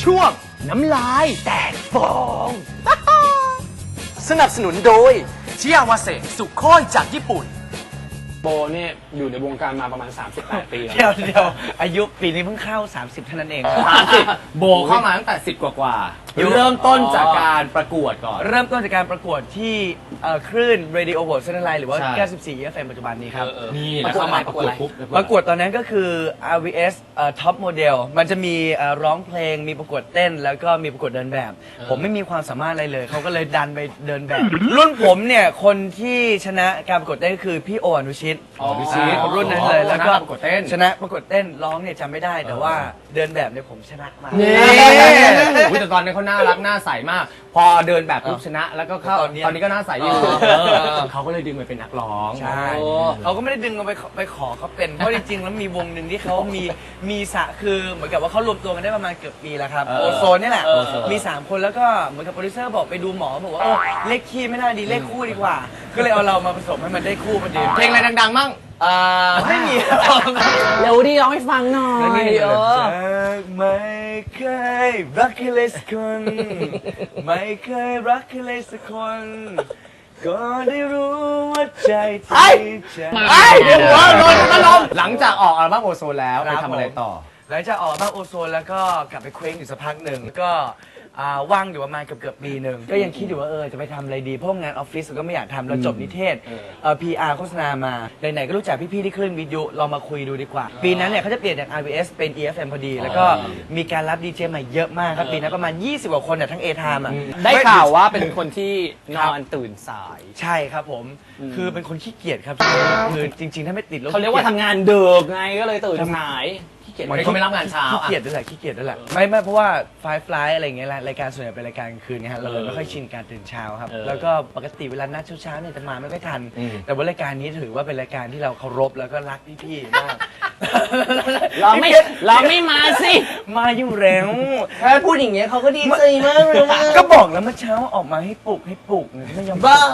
ช่วงน้ำลายแตกฟอง สนับสนุนโดยชิอาวาเซสุโค่จากญี่ปุ่นโบเนี่ยอยู่ในวงการมาประมาณ38 ปีแล้วเดี๋ยวอายุปีนี้เพิ่งเข้า30เท่านั้นเอง 30โบเข้ามาตั้งแต่10 กว่าเริ่มต้นจากการประกวดก่อนเริ่มต้นจากการประกวดที่คลื่น Radio World เซนไลน์หรือว่าใช่ 94 FM ปัจจุบันนี้ครับนี่แล้วเข้ามาประกวดปุ๊บประกวดตอนนั้นก็คือ RVS Top Model มันจะมีร้องเพลงมีประกวดเต้น แล้วก็มีประกวดเดินแบบ ผมไม่มีความสามารถอะไรเลยเขาก็เลยดันไปเดินแบบ รุ่นผมเนี่ยคนที่ชนะการประกวดเต้นก็คือพี่โออนุชิต รุ่นนั้นเลยแล้วก็ประกวดเต้นชนะประกวดเต้นร้องเนี่ยจำไม่ได้แต่ว่าเดินแบบเนี่ยผมชนะมานี่แต่ตอนนี้เขาน่ารักน่าใสมาก พอเดินแบบปุ๊บชนะแล้วก็เข้าตอนนี้ก็น่าใสอยู่เขาก็เลยดึงไปเป็นนักร้องใช่เขาก็ไม่ได้ดึงเราไปขอเขาเป็นเพราะจริงๆแล้วมีวงหนึ่งที่เขามีคือเหมือนกับว่าเขารวมตัวกันได้ประมาณเกือบปีแล้วครับโอโซนนี่แหละมี3คนแล้วก็เหมือนกับโปรดิวเซอร์บอกไปดูหมอบอกว่าเลขคี่ไม่ได้ดีเลขคู่ดีกว่าก็เลยเอาเรามาผสมให้มันได้คู่พอดีเพลงอะไรดังๆมั่งไม่มีเร็วดิร้องให้ฟังหน่อยไม่เคยรักใครเลยสักคนไม่เคยรักใครเลยสักคนก็ได้รู้ว่าใจที่จะเดี๋ยวหัวโดนตะลมหลังจากออกอัลบั้มโอโซนแล้วไปทำอะไรต่อหลังจากออกมาโอโซนแล้วก็กลับไปเคว้งอยู่สักพักหนึ่งก็ว่างอยู่ประมาณเกือบปีหนึ่งก็ยังคิดอยู่ว่าจะไปทำอะไรดีเพราะงานออฟฟิศก็ไม่อยากทำเราจบนิเทศPR โฆษณามาไหนๆก็รู้จักพี่ๆที่คลื่นวิทยุเรามาคุยดูดีกว่า ปีนั้นเนี่ยเขาจะเปลี่ยนจาก RVS เป็น EFM พอดี แล้วก็มีการรับดีเจใหม่เยอะมากครับปีนั้นประมาณ20 กว่าคนเนี่ยทั้ง A Time ได้ข่าวว่าเป็นคนที่นอนตื่นสายใช่ครับผมคือเป็นคนขี้เกียจครับคือจริงๆถ้าไม่ติดรถเขาเรียกว่าทำงานดึกไงก็เลยตื่นสายขี้เกียจเขาไม่รับงานเช้าขี้เกียจด้วยแหละขี้เกียจด้วยแหละไม่เพราะว่าไฟฟลายอะไรอย่างเงี้ยรายการส่วนใหญ่เป็นรายการกลางคืนไงฮะเราเลยไม่ค่อยชินการตื่นเช้าครับแล้วก็ปกติเวลานัดเช้าๆเนี่ยจะมาไม่ค่อยทัน แต่ว่ารายการนี้ถือว่าเป็นรายการที่เราเคารพแล้วก็รักพี่ๆมากเราไม่มาสิมาอยู่แล้วถ้าพูดอย่างเงี้ยเขาก็ดีใจมากเลยว่าก็บอกแล้วเมื่อเช้าออกมาให้ปลุกไม่ยอมบ้า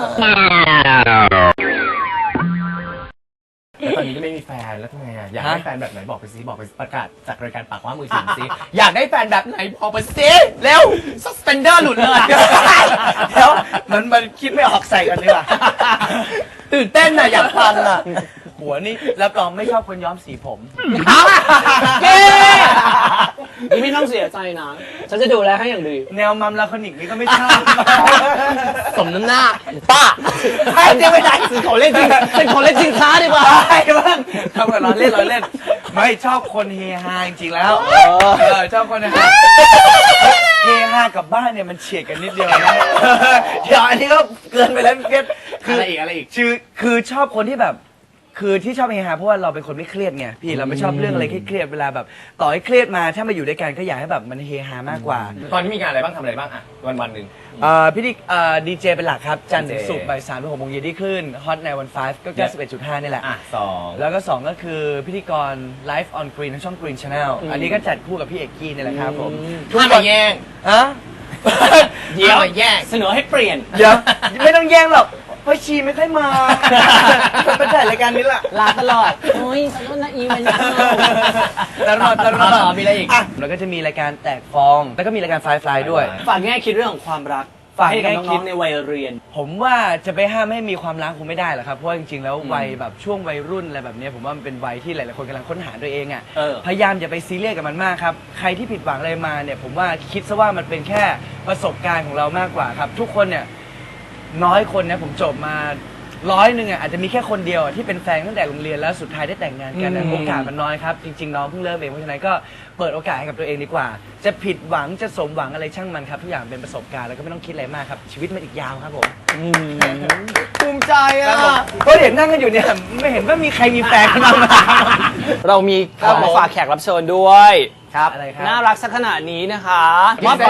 แล้วตอนนี้ก็ไม่มีแฟนแล้วทำไงอ่ะอยากได้แฟนแบบไหนบอกไปซิบอกไปประกาศจากรายการปากว่ามือถือซิอยากได้แฟนแบบไหนบอกไปซิเร็วสเปนเดอร์หลุดเลยแล้วมันคิดไม่ออกใส่กันดีกว่าตื่นเต้นน่ะอยากฟังอ่ะหัวนี่รับรองไม่ชอบคนย้อมสีผมเย้นี่ไม่ต้องเสียใจนะฉันจะดูแลให้อย่างดีแนวมัมลาคอนิกนี่ก็ไม่ชอบสมน้ำหน้าป้าให้เดี๋ยวไม่ได้เป็นของเล่นจริงเป็นของเล่นจริงค้าดีกว่าใช่บ้างทำกันล้อเล่นไม่ชอบคนเฮฮาจริงๆแล้วชอบคนเฮฮากับบ้านเนี่ยมันเฉียดกันนิดเดียวนะเดี๋ยวอันนี้ก็เกินไปแล้วพี่เพชรอะไรอีกคือชอบคนที่แบบคือที่ชอบเฮฮาเพราะว่าเราเป็นคนไม่เครียดไงพี่เราไม่ชอบเรื่องอะไรเครียดเวลาแบบต่อให้เครียดมาถ้ามาอยู่ด้วยกันก็อยากให้แบบมันเฮฮามากกว่าตอนนี้มีงานอะไรบ้างทำอะไรบ้างอ่ะวันหนึ่งพี่ดีเจเป็นหลักครับจันทร์ถึงศุกร์บ่าย3 ถึง 6 โมงเย็นที่คลื่นฮอตในวัน5ก็ 91.5 นี่แหละสองแล้วก็ 2 ก็คือพิธีกร Live on Green ทั้งช่อง Green Channel อันนี้ก็จัดคู่กับพี่เอกกี้นี่แหละครับผมห้ามมาแย่งฮะเดี๋ยวห้ามมาแย่งเสนอให้เปลี่ยนเดี๋ยวไม่ต้องแย่งหรอกเพราะชีไม่ค่อยมามาถ่ายรายการนี้แหละลาตลอดโอ้ยขอโทษนะอีเวนต์ตลอดมีอะไรอีกแล้วก็จะมีรายการแตกฟอง แล้วก็มีรายการไฟฟลายด้วยฝากแง่คิดเรื่องของความรักฝากให้กับแง่คิน้อดงๆในวัยเรียนผมว่าจะไปห้ามให้มีความรักคงไม่ได้หรอกครับ เพราะว่าจริงๆ แล้ววัยแบบช่วงวัยรุ่นอะไรแบบนี้ผมว่ามันเป็นวัยที่หลายๆคนกำลังค้นหาตัวเองอ่ะ พยายามอย่าไปซีเรียสกับมันมากครับ ใครที่ผิดหวังอะไรมาเนี่ยผมว่าคิดซะว่ามันเป็นแค่ประสบการณ์ของเรามากกว่าครับ ทุกคนเนี่ยน้อยคนนะผมจบมา100 นึงอ่ะอาจจะมีแค่คนเดียวที่เป็นแฟนตั้งแต่โรงเรียนแล้วสุดท้ายได้แต่งงานกันโอกาสมันน้อยครับจริงๆน้องเพิ่งเริ่มเองเพราะฉะนั้นก็เปิดโอกาสให้กับตัวเองดีกว่า จะผิดหวังจะสมหวังอะไรช่างมันครับทุกอย่างเป็นประสบการณ์แล้วก็ไม่ต้องคิดอะไรมากครับชีวิตมันอีกยาวครับผมภูมิใจอ่ะก็เห็นนั่งกันอยู่เนี่ยไม่เห็นว่ามีใครมีแฟนกันบ้างไหมเรามีของมาฝากแขกรับเชิญด้วยครับอะไรครับน่ารักสักขนาดนี้นะคะมอบก่อนให้ลึก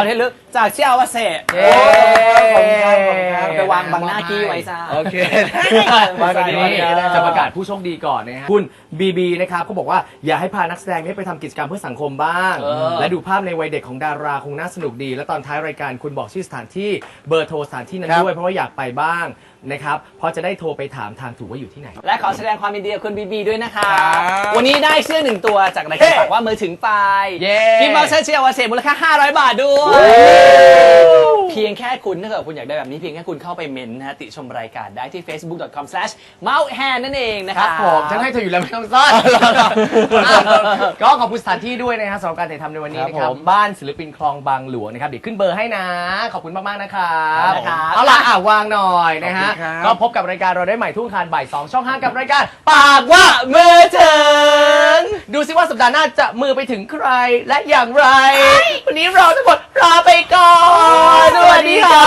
จากเชี่ยววาเซ่เย้ขอบคุณครับขอบคุณครับไปวางบังหน้ากี้ไว้ซะโอเคมากันดีนี้ได้จะประกาศผู้โชคดีก่อนนะฮะคุณบีบีนะครับเขาบอกว่าอยากให้พานักแสดงนี้ไปทำกิจกรรมเพื่อสังคมบ้าง และดูภาพในวัยเด็กของดาราคงน่าสนุกดี และตอนท้ายรายการคุณบอกชื่อสถานที่เบอร์โทรสถานที่นั้นด้วยเพราะว่าอยากไปบ้างนะครับเพราะจะได้โทรไปถามทางถูกว่าอยู่ที่ไหนและขอแสดงความยินดีกับคุณบีบีด้วยนะคะครับวันนี้ได้เสื้อ1 ตัวจากรายการฝากว่ามือถึงไปเย้กิฟต์วอเชอร์เชียร์วาเซ่มูลค่า500 บาทด้วย เพียงแค่คุณถ้าเกิดคุณอยากได้แบบนี้เพียงแค่คุณเข้าไปเมนต์นะฮะติชมรายการได้ที่ facebook.com/mouthhand นั่นเองนะคครัรับบ ผมฉันให้เธออยู่แล้วไม่ต้องซ่อนก็ขอบคุณสถานที่ด้วยนะฮะสำหรับการถ่ายทำในวันนี้นะครับบ้านศิลปินคลองบางหลวงนะครับเดี๋ยวขึ้นเบอร์ให้นะ ขอบคุณมากๆนะครับครับเอาล่ะวางหน่อยนะฮะขอบคุณครับก็พบกับรายการเราได้ใหม่ทุกอังคารบ่าย 2 ช่อง 5 กับรายการปากว่ามือถึงดูซิว่าสัปดาห์หน้าจะมือไปถึงใครและอย่างไร วันนี้เราทั้งหมดลาไปก่อนสวัสดีครับ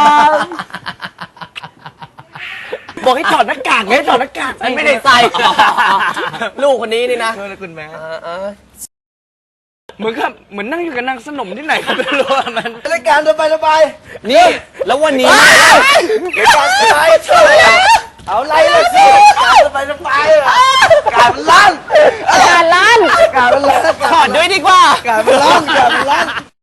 บอกให้ถอดหน้ากากไงถอดหน้ากากฉันไม่ได้ใส่ ลูกคนนี้นี่นะเออคุณแม่เหมือนนั่งอยู่กับนางสนมที่ไหนก็ไม่รู้อะมันรายการสบายนี่ แล้ววันนี้รายการสบายเอาไรเลยสิการสบายการมันลั่นการลั่นการมันลั่นถอดด้วยดีกว่าการมันลั่น